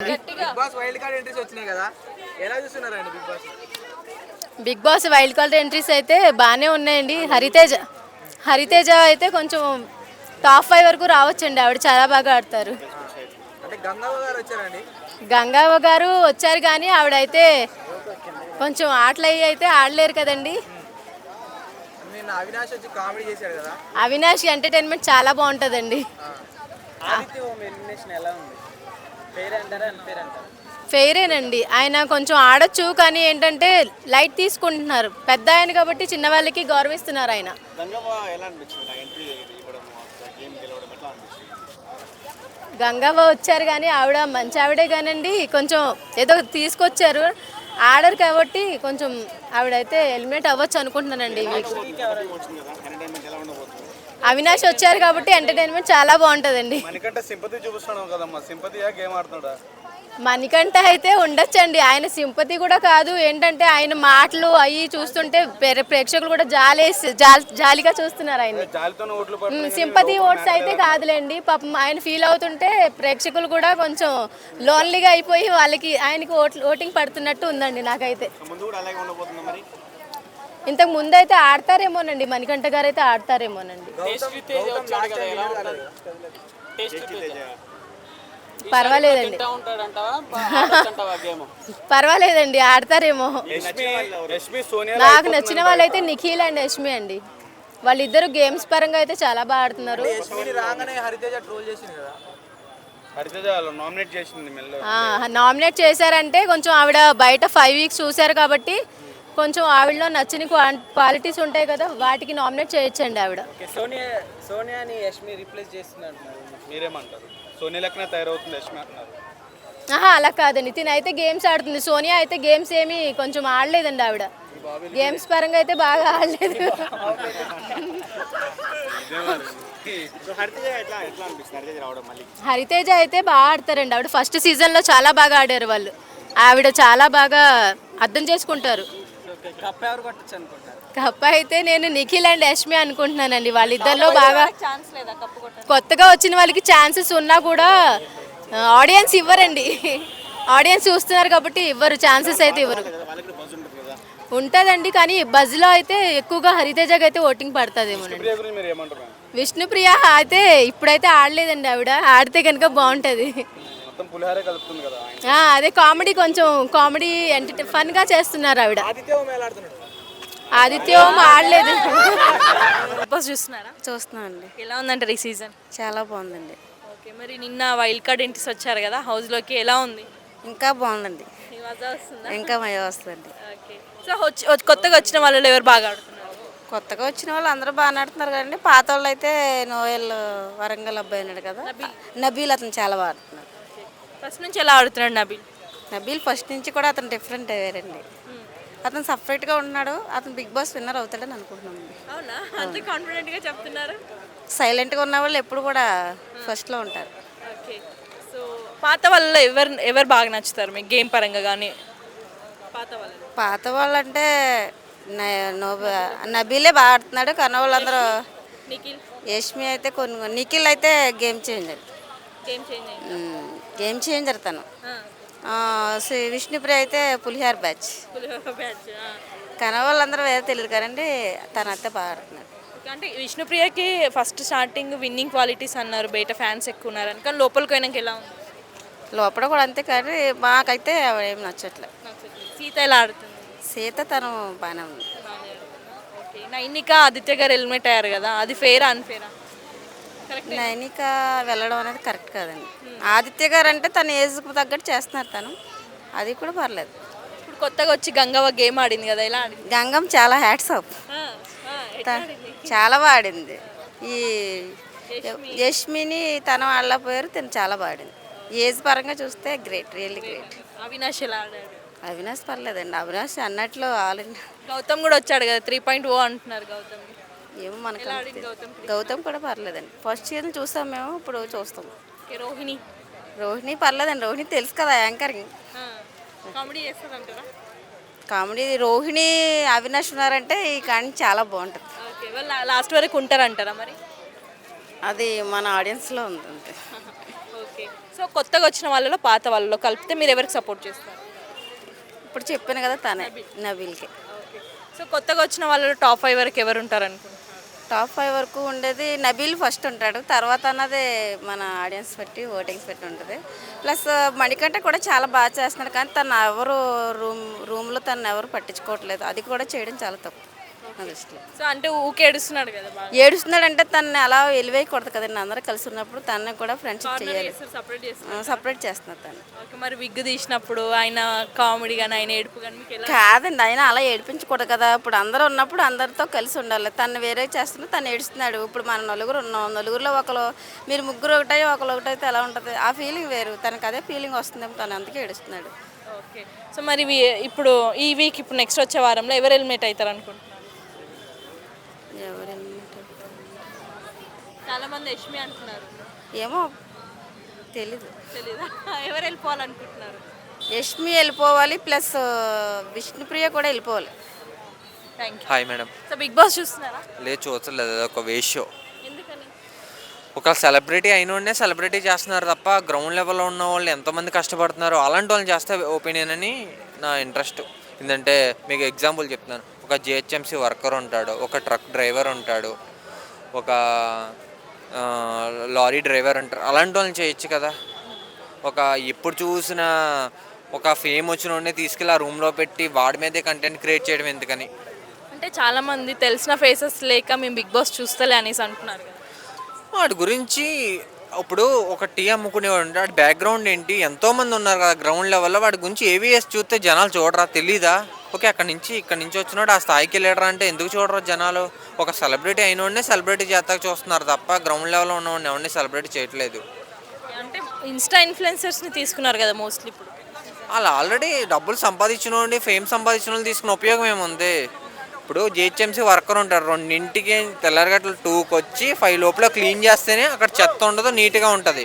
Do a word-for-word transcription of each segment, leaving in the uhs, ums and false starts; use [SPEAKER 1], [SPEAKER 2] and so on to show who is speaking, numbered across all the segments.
[SPEAKER 1] అండి. Bigg Boss wild card entries అయితే బాగానే ఉన్నాయండి. హరితేజ హరితేజ అయితే కొంచెం టాప్ ఫైవ్ వరకు రావచ్చండి. ఆవిడ చాలా బాగా ఆడతారు. గంగవ్వ గారు వచ్చారు కానీ ఆవిడైతే కొంచెం ఆటలు అయ్యి అయితే ఆడలేరు కదండి. అవినాష్ ఎంటర్టైన్మెంట్ చాలా బాగుంటుందండి. ఫెయిరేనండి. ఆయన కొంచెం ఆడొచ్చు కానీ ఏంటంటే లైట్ తీసుకుంటున్నారు. పెద్ద ఆయన కాబట్టి చిన్న వాళ్ళకి గౌరవిస్తున్నారు ఆయన. గంగవ్వ వచ్చారు కానీ ఆవిడ మంచి ఆవిడే కానండి. కొంచెం ఏదో తీసుకొచ్చారు, ఆడరు కాబట్టి కొంచెం ఆవిడైతే ఎలిమినేట్ అవ్వచ్చు అనుకుంటున్నానండి. అవినాష్ వచ్చారు కాబట్టి ఎంటర్టైన్మెంట్ చాలా బాగుంటుందండి. మణికంఠ అయితే ఉండొచ్చండి. ఆయన సింపతి కూడా కాదు, ఏంటంటే ఆయన మాటలు అవి చూస్తుంటే ప్రేక్షకులు కూడా జాలేసి జాలిగా చూస్తున్నారు ఆయన. సింపతి ఓట్స్ అయితే కాదులేండి, పాపం ఆయన ఫీల్ అవుతుంటే ప్రేక్షకులు కూడా కొంచెం లోన్లీగా అయిపోయి వాళ్ళకి ఆయనకి ఓట్ ఓటింగ్ పడుతున్నట్టు ఉందండి నాకైతే. ఇంతకు ముందు అయితే ఆడతారేమోనండి, మణికంఠ గారు అయితే ఆడతారేమోనండి. పర్వాలేదండి పర్వాలేదండి ఆడతారేమో. నాకు నచ్చిన వాళ్ళైతే నిఖిల్ అండ్ యష్మి అండి. వాళ్ళిద్దరు గేమ్స్ పరంగా అయితే చాలా బాగా ఆడుతున్నారు. నామినేట్ చేశారంటే కొంచెం ఆవిడ బయట ఫైవ్ వీక్స్ చూశారు కాబట్టి కొంచెం ఆవిడలో నచ్చిన క్వాలిటీస్ ఉంటాయి కదా, వాటికి నామినేట్ చేయొచ్చండి ఆవిడ.
[SPEAKER 2] సోనియాని యష్మి రీప్లేస్ చేస్తున్నారు, మీరేమంటారు? సోనియా లెక్కనే తయారవుతుంది యష్మి అంటున్నారు.
[SPEAKER 1] ఆహా అలా కాదండి, తిన అయితే గేమ్స్ ఆడుతుంది. సోనియా అయితే గేమ్స్ ఏమి కొంచెం ఆడలేదండి. ఆవిడ గేమ్స్ పరంగా అయితే బాగా ఆడలేదు. హరితేజ అయితే బాగా ఆడతారండి. ఆవిడ ఫస్ట్ సీజన్లో చాలా బాగా ఆడారు వాళ్ళు. ఆవిడ చాలా బాగా అర్థం చేసుకుంటారు. కప్ప అయితే నేను నిఖిల్ అండ్ యష్మి అనుకుంటున్నానండి. వాళ్ళిద్దరిలో బాగా కొత్తగా వచ్చిన వాళ్ళకి ఛాన్సెస్ ఉన్నా కూడా ఆడియన్స్ ఇవ్వరండి. ఆడియన్స్ చూస్తున్నారు కాబట్టి ఇవ్వరు, ఛాన్సెస్ అయితే ఇవ్వరు. ఉంటుందండి కానీ బజ్లో అయితే ఎక్కువగా హరితేజకి అయితే ఓటింగ్ పడుతుందేమోనండి. విష్ణుప్రియ అయితే ఇప్పుడైతే ఆడలేదండి. ఆవిడ ఆడితే కనుక బాగుంటుంది. అదే కామెడీ, కొంచెం కామెడీ ఎంటర్టై ఫన్గా చేస్తున్నారు ఆవిడ. ఆదిత్య ఓం ఆడలేదు.
[SPEAKER 3] చూస్తున్నారా?
[SPEAKER 4] చూస్తున్నాం అండి.
[SPEAKER 3] ఎలా ఉందంటారు ఈ సీజన్?
[SPEAKER 4] చాలా బాగుందండి.
[SPEAKER 3] ఓకే, మరి నిన్న వైల్డ్ కార్డ్ ఎంట్రీస్ వచ్చారు కదా హౌస్లోకి, ఎలా ఉంది?
[SPEAKER 4] ఇంకా బాగుందండి.
[SPEAKER 3] వస్తుందా?
[SPEAKER 4] ఇంకా మజా వస్తుందండి.
[SPEAKER 3] ఓకే, సో వచ్చి కొత్తగా వచ్చిన వాళ్ళు ఎవరు బాగా ఆడుతున్నారు?
[SPEAKER 4] కొత్తగా వచ్చిన వాళ్ళు అందరూ బాగా ఆడుతున్నారు కదండి. పాత వాళ్ళు అయితే నోయల్ వరంగల్ అబ్బాయి అన్నాడు కదా, నబీల్, అతను చాలా బాగా ఆడుతున్నారు.
[SPEAKER 3] ఫస్ట్ నుంచి ఎలా ఆడుతున్నాడు నబీల్?
[SPEAKER 4] నబీల్ ఫస్ట్ నుంచి కూడా అతను డిఫరెంట్ అయ్యారండి. అతను సపరేట్గా ఉన్నాడు. అతను బిగ్ బాస్ విన్నర్ అవుతాడని అనుకుంటున్నాను.
[SPEAKER 3] అవునా, అంత కాన్ఫిడెంట్గా చెప్తున్నారు?
[SPEAKER 4] సైలెంట్గా ఉన్న వాళ్ళు ఎప్పుడు కూడా ఫస్ట్లో ఉంటారు.
[SPEAKER 3] ఓకే, సో పాత వాళ్ళలో ఎవరు ఎవరు బాగా నచ్చుతారు మీకు గేమ్ పరంగా కానీ? పాత వాళ్ళు
[SPEAKER 4] పాత వాళ్ళు అంటే నబీలే బాగా ఆడుతున్నాడు. కానీ వాళ్ళందరూ
[SPEAKER 3] నిఖిల్,
[SPEAKER 4] యష్మి అయితే కొన్ని, నిఖిల్ అయితే game changer.
[SPEAKER 3] Game changer
[SPEAKER 4] game changer తను. విష్ణుప్రియ అయితే పులిహార బ్యాచ్. కానీ వాళ్ళందరూ వేరే తెలియదు కదండి, తను అయితే బాగా ఆడుతున్నాడు.
[SPEAKER 3] అంటే విష్ణుప్రియకి ఫస్ట్ స్టార్టింగ్ విన్నింగ్ క్వాలిటీస్ అన్నారు, బయట ఫ్యాన్స్ ఎక్కువ ఉన్నారని. కానీ లోపలికి పోయినాక ఎలా ఉంది?
[SPEAKER 4] లోపల కూడా అంతే, కానీ మాకైతే ఏం నచ్చట్లేదు.
[SPEAKER 3] సీత ఎలా ఆడుతుంది?
[SPEAKER 4] సీత తను బాగానే ఉంది.
[SPEAKER 3] ఓకే, నైనిక ఆదిత్య గారు ఎలిమినేట్ అయ్యారు కదా, అది ఫేరా అన్ఫేరా?
[SPEAKER 4] నైనిక వెళ్ళడం అనేది కరెక్ట్ కాదండి. ఆదిత్య గారు అంటే తన ఏజ్కి తగ్గట్టు చేస్తున్నారు తను, అది కూడా పర్లేదు.
[SPEAKER 3] ఇప్పుడు కొత్తగా వచ్చి గంగవ్వ గేమ్ ఆడింది కదా, ఎలా ఆడింది?
[SPEAKER 4] గంగం చాలా హ్యాట్స్ ఆఫ్, చాలా బాగా ఆడింది. ఈ యష్మిని తను ఆడలేకపోయారు, తను చాలా బాగా ఆడింది. ఏజ్ పరంగా చూస్తే గ్రేట్, రియల్లీ గ్రేట్.
[SPEAKER 3] అవినాష్ ఎలా ఆడాడు?
[SPEAKER 4] అవినాష్ పర్లేదండి. అవినాష్ అన్నట్లు ఆల్
[SPEAKER 3] గౌతమ్ కూడా వచ్చాడు కదా, త్రీ పాయింట్ ఓ అంటున్నారు గౌతమ్.
[SPEAKER 4] ఏమో మనకు గౌతమ్ కూడా పర్లేదండి. ఫస్ట్ సీజన్ చూసాం మేము, ఇప్పుడు చూస్తాం.
[SPEAKER 3] రోహిణి
[SPEAKER 4] రోహిణి పర్లేదండి. రోహిణి తెలుసు కదా యాంకరింగ్,
[SPEAKER 3] కామెడీ చేస్తుందంటారా?
[SPEAKER 4] కామెడీ రోహిణి అవినాష్ ఉన్నారంటే ఈ కానీ చాలా బాగుంటుంది.
[SPEAKER 3] ఓకే, వాళ్ళు లాస్ట్ వరకు ఉంటారంటారా మరి?
[SPEAKER 4] అది మన ఆడియన్స్లో ఉంటుంది.
[SPEAKER 3] ఓకే. ఓకే. సో కొత్తగా వచ్చిన వాళ్ళలో పాత వాళ్ళలో కలిపితే మీరు ఎవరికి సపోర్ట్ చేస్తారు?
[SPEAKER 4] ఇప్పుడు చెప్పాను కదా తనే నబీల్కి.
[SPEAKER 3] ఓకే. సో కొత్తగా వచ్చిన వాళ్ళలో టాప్ ఫైవ్ వరకు ఎవరు ఉంటారు అనుకుంటున్నారు?
[SPEAKER 4] టాప్ ఫైవ్ వరకు ఉండేది నబీల్ ఫస్ట్ ఉంటాడు, తర్వాత అన్నది మన ఆడియన్స్ బట్టి ఓటింగ్స్ బట్టి ఉంటుంది. ప్లస్ మణికంఠ కూడా చాలా బాగా చేస్తున్నాడు, కానీ తను ఎవరు రూమ్ రూమ్లో తను ఎవరు పట్టించుకోవట్లేదు. అది కూడా చేయడం చాలా తప్పు నా దృష్టిలో.
[SPEAKER 3] సో అంటే ఊకే ఏడుస్తున్నాడు కదా బాగా.
[SPEAKER 4] ఏడుస్తున్నాడంటే తను అలా ఎలివేయకూడదు కదండి. అందరూ కలిసి ఉన్నప్పుడు తనని కూడా ఫ్రెండ్షిప్ చేయాలి.
[SPEAKER 3] సపరేట్ చేస్తారు.
[SPEAKER 4] సపరేట్ చేస్తున్నారు తను.
[SPEAKER 3] ఓకే. మరి విగ్ తీసినప్పుడు ఆయన కామెడీ కానీ ఆయన ఏడుపు కానీ మీకు ఎలా?
[SPEAKER 4] కాదండి, ఆయన అలా ఏడిపించకూడదు కదా. ఇప్పుడు అందరూ ఉన్నప్పుడు అందరితో కలిసి ఉండాలి. తను వేరే చేస్తున్నా తను ఏడుస్తున్నాడు. ఇప్పుడు మన నలుగురు ఉన్నాం, నలుగురిలో ఒకరు మీరు ముగ్గురు ఒకటై ఒకరు ఒకటైతే ఎలా ఉంటుంది? ఆ ఫీలింగ్ వేరు. తనకు అదే ఫీలింగ్ వస్తుందేమో, తను అందుకే ఏడుస్తున్నాడు.
[SPEAKER 3] ఓకే. సో మరి వీ- ఇప్పుడు ఈ వీక్ ఇప్పుడు నెక్స్ట్ వచ్చే వారంలో ఎవరు ఎలిమినేట్ అవుతారు అనుకుంటున్నారు?
[SPEAKER 4] ఎవరు
[SPEAKER 3] చాలా మంది యష్మి అంటున్నారు.
[SPEAKER 4] ఏమో తెలీదు.
[SPEAKER 3] తెలీదా? ఎవరు వెళ్ళిపోవాలనుకుంటున్నారు?
[SPEAKER 4] యష్మి వెళ్ళిపోవాలి, ప్లస్ విష్ణుప్రియ కూడా వెళ్ళిపోవాలి.
[SPEAKER 3] Thank you.
[SPEAKER 5] Hi madam.
[SPEAKER 3] So Bigg Boss చూస్తున్నారా?
[SPEAKER 5] లేదు చూడలేదు, అది ఒక వేస్ట్ షో.
[SPEAKER 3] ఎందుకని?
[SPEAKER 5] ఒక సెలబ్రిటీ అయిన సెలబ్రిటీ చేస్తున్నారు తప్ప గ్రౌండ్ లెవెల్లో ఉన్న వాళ్ళు ఎంతోమంది కష్టపడుతున్నారు, అలాంటి వాళ్ళని చేస్తే ఒపీనియన్ అని నా ఇంట్రెస్ట్. ఎందుకంటే మీకు ఎగ్జాంపుల్ చెప్తున్నాను. ఒక జిహెచ్ఎంసీ వర్కర్ ఉంటాడు, ఒక ట్రక్ డ్రైవర్ ఉంటాడు, ఒక ఆ, లారీ డ్రైవర్ ఉంటారు. అలాంటి వాళ్ళని చేయొచ్చు కదా. ఒక ఎప్పుడు చూసిన ఒక ఫేమ్ వచ్చిన వాడిని తీసుకెళ్ళి ఆ రూమ్లో పెట్టి వాడి మీదే కంటెంట్ క్రియేట్ చేయడం ఎందుకని?
[SPEAKER 3] అంటే చాలా మంది తెలిసిన ఫేసెస్ లేక మేము బిగ్ బాస్ చూస్తలే అనేసి అంటున్నారు కదా.
[SPEAKER 5] వాటి గురించి ఇప్పుడు ఒక టీ అమ్ముకునేవాడు ఉంటాడు, వాడి బ్యాక్గ్రౌండ్ ఏంటి, ఎంతోమంది ఉన్నారు కదా గ్రౌండ్ లెవెల్లో. వాడి గురించి ఏవిఎస్ చూస్తే జనాలు చూడరా? తెలీదా? ఓకే, అక్కడి నుంచి ఇక్కడి నుంచి వచ్చినాడు ఆ స్థాయికి వెళ్ళాడరా అంటే ఎందుకు చూడరు జనాలు? ఒక సెలబ్రిటీ అయినోడినే సెలబ్రిటీ చేస్తాక చూస్తున్నారు తప్ప గ్రౌండ్ లెవెల్లో ఉన్నవాడిని ఎవరిని సెలబ్రిటీ చేయట్లేదు.
[SPEAKER 3] అంటే ఇన్స్టా ఇన్ఫ్లుయెన్సర్స్ని తీసుకున్నారు కదా మోస్ట్లీ ఇప్పుడు.
[SPEAKER 5] వాళ్ళు ఆల్రెడీ డబ్బులు సంపాదించిన వాడిని, ఫేమ్ సంపాదించిన వాళ్ళు తీసుకున్న ఉపయోగం ఏముంది? ఇప్పుడు జిహెచ్ఎంసీ వర్కర్ ఉంటారు, రెండింటికి తెల్లరగట్లు టూకి వచ్చి ఫైవ్ లోపల క్లీన్ చేస్తేనే అక్కడ చెత్త ఉండదు, నీట్గా ఉంటుంది.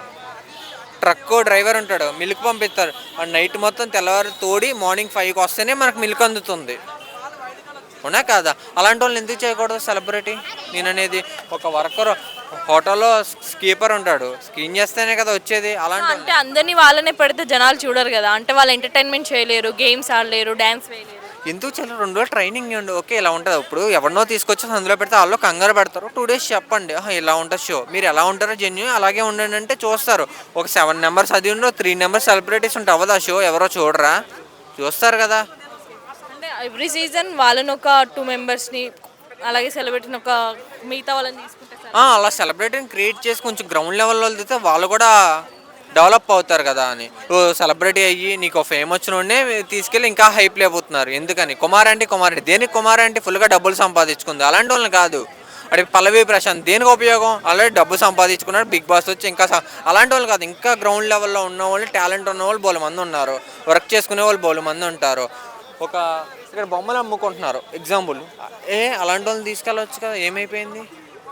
[SPEAKER 5] ట్రక్ డ్రైవర్ ఉంటాడు, మిల్క్ పంపిస్తారు, ఆ నైట్ మొత్తం తెల్లవారు తోడి మార్నింగ్ ఫైవ్కి వస్తేనే మనకు మిల్క్ అందుతుంది. అవునా కాదా? అలాంటి వాళ్ళని ఎందుకు చేయకూడదు సెలబ్రిటీ? నేను అనేది ఒక వర్కర్ హోటల్లో స్కీపర్ ఉంటాడు, స్క్రీన్ చేస్తేనే కదా వచ్చేది. అలాంటి
[SPEAKER 3] అంటే అందరినీ వాళ్ళనే పెడితే జనాలు చూడరు కదా. అంటే వాళ్ళు ఎంటర్టైన్మెంట్ చేయలేరు, గేమ్స్ ఆడలేరు, డ్యాన్స్ వేయలేరు.
[SPEAKER 5] ఎందుకు చాలా రెండు రోజులు ట్రైనింగ్ ఇవ్వండి. ఓకే, ఇలా ఉంటుంది. ఇప్పుడు ఎవరినో తీసుకొచ్చి అందులో పెడితే వాళ్ళు కంగారు పెడతారు. టూ డేస్ చెప్పండి, ఆహా, ఇలా ఉంటుంది షో, మీరు ఎలా ఉంటారో జెన్యున్ అలాగే ఉండండి అంటే చూస్తారు. ఒక సెవెన్ నెంబర్స్ అది ఉండో త్రీ నెంబర్స్ సెలబ్రిటీస్ ఉంటే అవ్వదు ఆ షో, ఎవరో చూడరా? చూస్తారు కదా.
[SPEAKER 3] అంటే ఎవ్రీ సీజన్ వాళ్ళని ఒక టూ మెంబర్స్ని అలాగే సెలబ్రిటీని ఒక మిగతా వాళ్ళని తీసుకుంటే సార్.
[SPEAKER 5] ఆ, అలా సెలబ్రిటీని క్రియేట్ చేసి కొంచెం గ్రౌండ్ లెవెల్లో వెళ్తే వాళ్ళు కూడా డెవలప్ అవుతారు కదా అని. ఓ సెలబ్రిటీ అయ్యి నీకు ఫేమ్ వచ్చిన వాడినే తీసుకెళ్ళి ఇంకా హైప్ లేకపోతున్నారు. ఎందుకని? కుమార్ అంటే కుమార్ అంటే దేనికి? కుమార్ అంటే ఫుల్గా డబ్బులు సంపాదించుకుంది. అలాంటి వాళ్ళని కాదు. అంటే పల్లవి ప్రశాంత్ దేనికి ఉపయోగం? ఆల్రెడీ డబ్బు సంపాదించుకున్నాడు, బిగ్ బాస్ వచ్చి ఇంకా స- అలాంటి వాళ్ళు కాదు. ఇంకా గ్రౌండ్ లెవెల్లో ఉన్న వాళ్ళు, టాలెంట్ ఉన్న వాళ్ళు బోలు మంది ఉన్నారు, వర్క్ చేసుకునే వాళ్ళు బోలు మంది ఉంటారు. ఒక ఇక్కడ బొమ్మలు అమ్ముకుంటున్నారు ఎగ్జాంపుల్, ఏ అలాంటి వాళ్ళని తీసుకెళ్ళవచ్చు కదా, ఏమైపోయింది?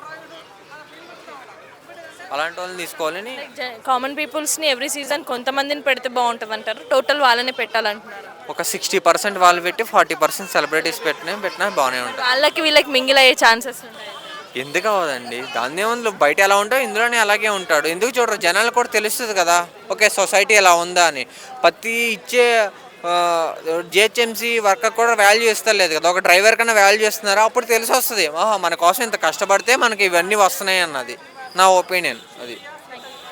[SPEAKER 5] అలాంటి వాళ్ళని తీసుకోవాలని
[SPEAKER 3] కామన్ పీపుల్స్ని ఎవ్రీ సీజన్ కొంతమందిని పెడితే బాగుంటుంది అంటారు, టోటల్ వాళ్ళని పెట్టాలంటున్నారు.
[SPEAKER 5] ఒక సిక్స్టీ పర్సెంట్ వాళ్ళు పెట్టి ఫార్టీ పర్సెంట్ సెలబ్రిటీస్ పెట్టినా పెట్టినా బాగానే ఉంటుంది.
[SPEAKER 3] వాళ్ళకి వీళ్ళకి మింగిల్ అయ్యే ఛాన్సెస్ ఉన్నాయి.
[SPEAKER 5] ఎందుకు అవ్వదండి? దాని ఏముంది, బయట ఎలా ఉంటావు ఇందులోనే అలాగే ఉంటాడు. ఎందుకు చూడరు? జనాలకు కూడా తెలుస్తుంది కదా, ఓకే సొసైటీ ఎలా ఉందా అని. ప్రతి ఇచ్చే జిహెచ్ఎంసీ వర్కర్ కూడా వాల్యూ ఇస్తలేదు కదా, ఒక డ్రైవర్ కన్నా వాల్యూ ఇస్తున్నారు. అప్పుడు తెలిసి వస్తుంది, ఆహా మన కోసం ఇంత కష్టపడితే మనకి ఇవన్నీ వస్తున్నాయి అన్నది నా ఒపీనియన్. అది